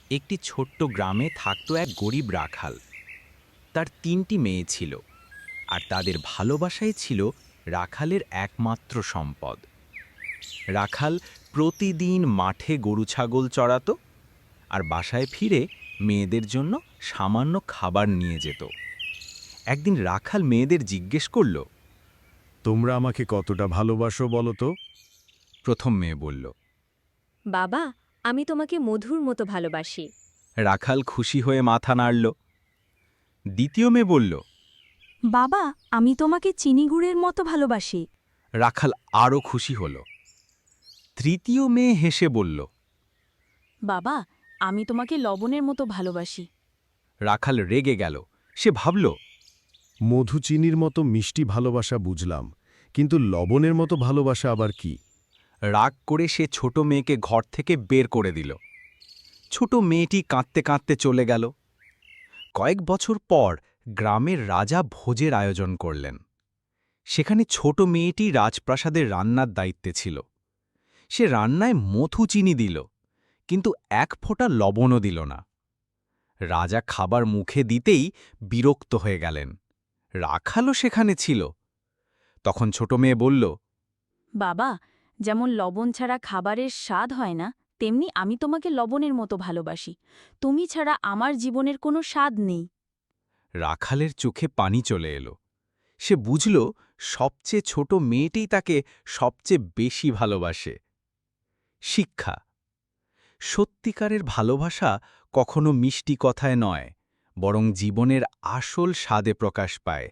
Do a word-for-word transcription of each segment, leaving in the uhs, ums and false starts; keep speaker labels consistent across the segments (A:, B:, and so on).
A: একটি ছোট্ট গ্রামে থাকত এক গরিব রাখাল। তার তিনটি মেয়ে ছিল, আর তাদের ভালোবাসাই ছিল রাখালের একমাত্র সম্পদ। রাখাল প্রতিদিন মাঠে গরু ছাগল চড়াতো, আর বাসায় ফিরে মেয়েদের জন্য সামান্য খাবার নিয়ে যেত। একদিন রাখাল মেয়েদের জিজ্ঞেস করল।
B: তোমরা আমাকে কতটা ভালোবাসো বলো তো?
A: প্রথম মেয়ে বলল।
C: বাবা, আমি তোমাকে মধুর মতো ভালোবাসি।
A: রাখাল খুশি হয়ে মাথা নাড়ল। দ্বিতীয় মেয়ে বলল।
D: বাবা, আমি তোমাকে চিনি গুড়ের মতো ভালোবাসি।
A: রাখাল আরও খুশি হল। তৃতীয় মেয়ে হেসে বলল।
D: বাবা, আমি তোমাকে লবণের মতো ভালোবাসি।
A: রাখাল রেগে গেল। সে ভাবল,
B: মধু চিনির মতো মিষ্টি ভালোবাসা বুঝলাম, কিন্তু লবণের মতো ভালোবাসা আবার কি?
A: রাগ করে সে ছোট মেয়েকে ঘর থেকে বের করে দিল। ছোট মেয়েটি কাঁদতে কাঁদতে চলে গেল। কয়েক বছর পর গ্রামের রাজা ভোজের আয়োজন করলেন। সেখানে ছোট মেয়েটি রাজপ্রাসাদের রান্নার দায়িত্বে ছিল। সে রান্নায় মধু চিনি দিল, কিন্তু এক ফোঁটা লবণও দিল না। রাজা খাবার মুখে দিতেই বিরক্ত হয়ে গেলেন। রাখালও সেখানে ছিল। তখন ছোট মেয়ে বলল।
D: বাবা, যেমন লবণ ছাড়া খাবারের স্বাদ হয় না, তেমনি আমি তোমাকে লবণের মতো ভালোবাসি। তুমি ছাড়া আমার জীবনের কোনো স্বাদ নেই।
A: রাখালের চোখে পানি চলে এলো। সে বুঝল সবচেয়ে ছোট মেয়েটিই তাকে সবচেয়ে বেশি ভালোবাসে। শিক্ষা: সত্যিকারের ভালোবাসা কখনো মিষ্টি কথায় নয়, বরং জীবনের আসল স্বাদে প্রকাশ পায়।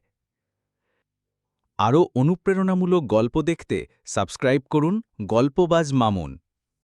A: আরও অনুপ্রেরণামূলক গল্প দেখতে সাবস্ক্রাইব করুন গল্পবাজ মামুন।